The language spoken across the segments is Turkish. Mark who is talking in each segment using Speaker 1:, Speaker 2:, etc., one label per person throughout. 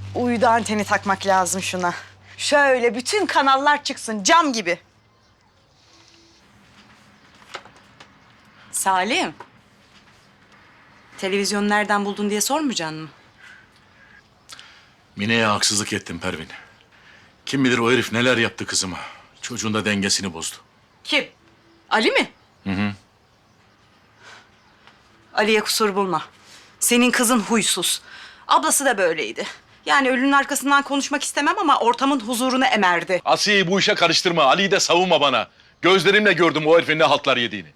Speaker 1: Uydu anteni takmak lazım şuna. Şöyle bütün kanallar çıksın cam gibi. Salim. Televizyonu nereden buldun diye sormayacaksın mı?
Speaker 2: Mine'ye haksızlık ettim Pervin. Kim bilir o herif neler yaptı kızıma. Çocuğun da dengesini bozdu.
Speaker 1: Kim? Ali mi?
Speaker 2: Hı.
Speaker 1: Ali'ye kusur bulma. Senin kızın huysuz. Ablası da böyleydi. Yani ölünün arkasından konuşmak istemem ama ortamın huzurunu emerdi.
Speaker 2: Asiye'yi bu işe karıştırma. Ali'yi de savunma bana. Gözlerimle gördüm o herifin ne haltlar yediğini.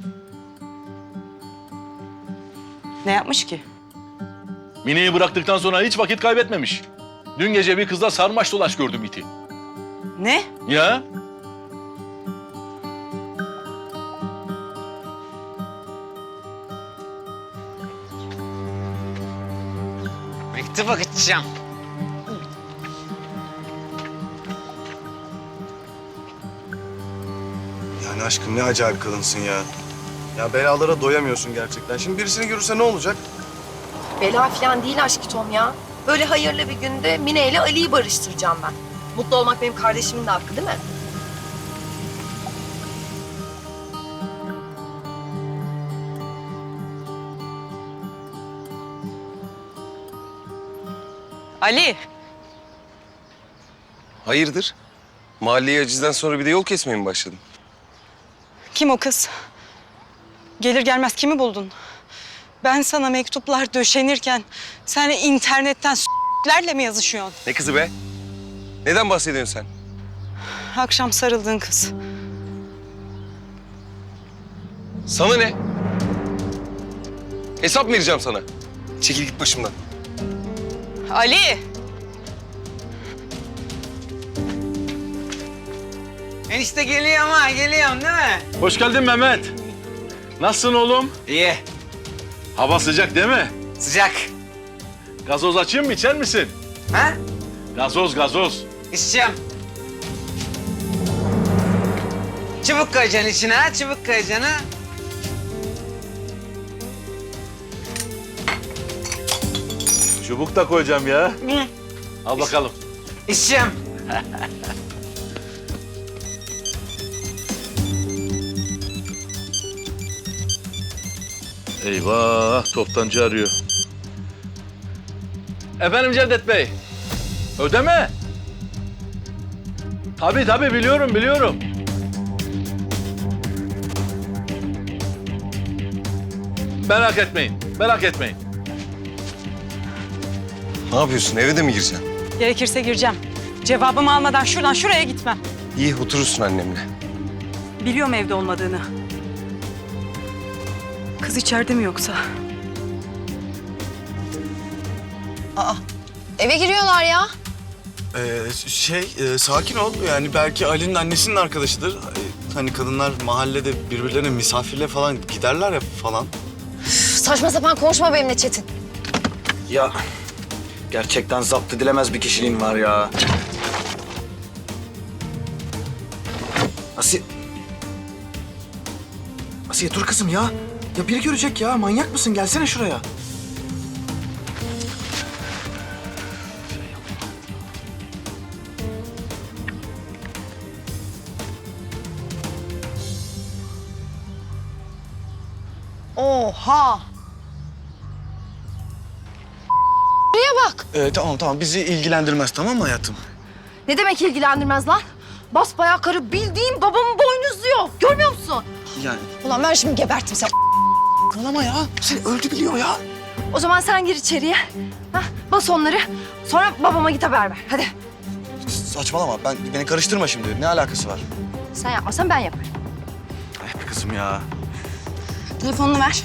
Speaker 1: Ne yapmış ki?
Speaker 2: Mine'yi bıraktıktan sonra hiç vakit kaybetmemiş. Dün gece bir kızla sarmaş dolaş gördüm iti.
Speaker 1: Ne?
Speaker 2: Ya?
Speaker 3: Mektuba gideceğim.
Speaker 4: Yani aşkım ne acayip kadınsın ya. Ya belalara doyamıyorsun gerçekten. Şimdi birisini görürse ne olacak?
Speaker 5: Bela falan değil aşkı Tom ya. Böyle hayırlı bir günde Mine ile Ali'yi barıştıracağım ben. Mutlu olmak benim kardeşimin de hakkı değil mi?
Speaker 1: Ali.
Speaker 6: Hayırdır? Mahalleye acizden sonra bir de yol kesmeye mi başladın?
Speaker 1: Kim o kız? Gelir gelmez kimi buldun? Ben sana mektuplar döşenirken sen internetten s**lerle mi yazışıyorsun?
Speaker 6: Ne kızı be? Neden bahsediyorsun sen?
Speaker 1: Akşam sarıldığın kız.
Speaker 6: Sana ne? Hesap mı vereceğim sana? Çekil git başımdan.
Speaker 1: Ali!
Speaker 3: Enişte geliyor ama geliyorum değil mi?
Speaker 2: Hoş geldin Mehmet. Nasılsın oğlum?
Speaker 3: İyi.
Speaker 2: Hava sıcak değil mi?
Speaker 3: Sıcak.
Speaker 2: Gazoz açayım mı, içer misin?
Speaker 3: Ha?
Speaker 2: Gazoz.
Speaker 3: İçeceğim. Çubuk koyacaksın içine ha, çubuk koyacaksın ha.
Speaker 2: Çubuk da koyacağım ya. Al bakalım.
Speaker 3: İçeceğim.
Speaker 2: Eyvah, toptancı arıyor. Efendim Cevdet Bey, ödeme. Tabii biliyorum. Merak etmeyin.
Speaker 6: Ne yapıyorsun? Eve de mi gireceksin?
Speaker 1: Gerekirse gireceğim. Cevabımı almadan şuradan şuraya gitmem.
Speaker 6: İyi, oturursun annemle.
Speaker 1: Biliyorum evde olmadığını. Kız içeride mi yoksa?
Speaker 5: Eve giriyorlar ya.
Speaker 4: Sakin ol. Yani belki Ali'nin annesinin arkadaşıdır. Hani kadınlar mahallede birbirlerine misafirle falan giderler ya falan.
Speaker 5: Saçma sapan konuşma benimle Çetin.
Speaker 7: Ya gerçekten zapt edilemez bir kişiliğin var ya. Asiye dur kızım ya. Ya biri görecek ya. Manyak mısın? Gelsene şuraya.
Speaker 1: Oha!
Speaker 5: Buraya bak.
Speaker 4: Tamam. Bizi ilgilendirmez, tamam mı hayatım?
Speaker 5: Ne demek ilgilendirmez lan? Basbayağı karı bildiğin babamı boynuzluyor. Görmüyor musun?
Speaker 4: Yani
Speaker 5: Ulan ben şimdi gebertim sen.
Speaker 4: ağlama ya. Seni öldü biliyor ya.
Speaker 5: O zaman sen gir içeriye. Hah, bas onları. Sonra babama git haber ver. Hadi.
Speaker 4: Saçmalama. Beni karıştırma şimdi. Ne alakası var?
Speaker 5: Sen yapmasan ben yaparım.
Speaker 4: Ay be kızım ya.
Speaker 5: Telefonunu ver.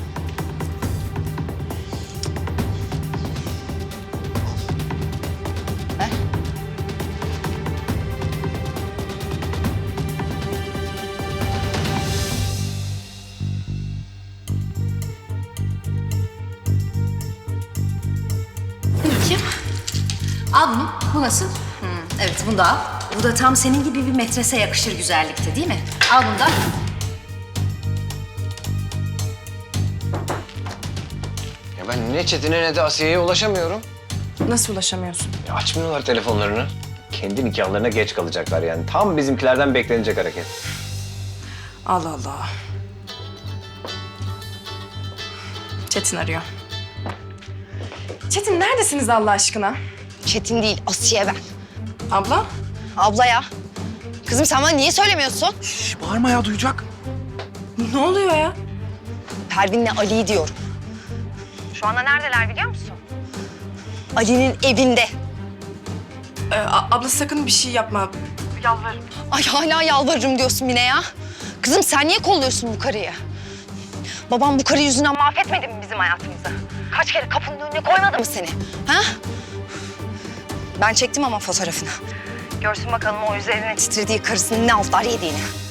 Speaker 8: Bakayım. Al bunu. Bu nasıl? Evet, bunu da al. Bu da tam senin gibi bir metrese yakışır güzellikte değil mi? Al bunu da.
Speaker 3: Ya ben ne Çetin'e ne de Asiye'ye ulaşamıyorum.
Speaker 9: Nasıl ulaşamıyorsun?
Speaker 10: Ya açmıyorlar telefonlarını. Kendi nikahlarına geç kalacaklar yani. Tam bizimkilerden beklenecek hareket.
Speaker 9: Allah Allah. Çetin arıyor. Çetin neredesiniz Allah aşkına?
Speaker 5: Çetin değil, Asiye ben.
Speaker 9: Abla?
Speaker 5: Abla ya. Kızım sen bana niye söylemiyorsun?
Speaker 7: Bağırma ya, duyacak.
Speaker 9: Ne oluyor ya?
Speaker 5: Pervin'le Ali'yi diyorum. Şu anda neredeler biliyor musun? Ali'nin evinde.
Speaker 9: Abla sakın bir şey yapma.
Speaker 5: Ay hala yalvarırım diyorsun Mine ya. Kızım sen niye kolluyorsun bu karıyı? Babam bu karı yüzünden mahvetmedi mi bizim hayatımızı? Kaç kere kapının önüne koymadı mı seni? Ha? Ben çektim ama fotoğrafını. Görsün bakalım o üzerine titrediği karısının ne altlar yediğini.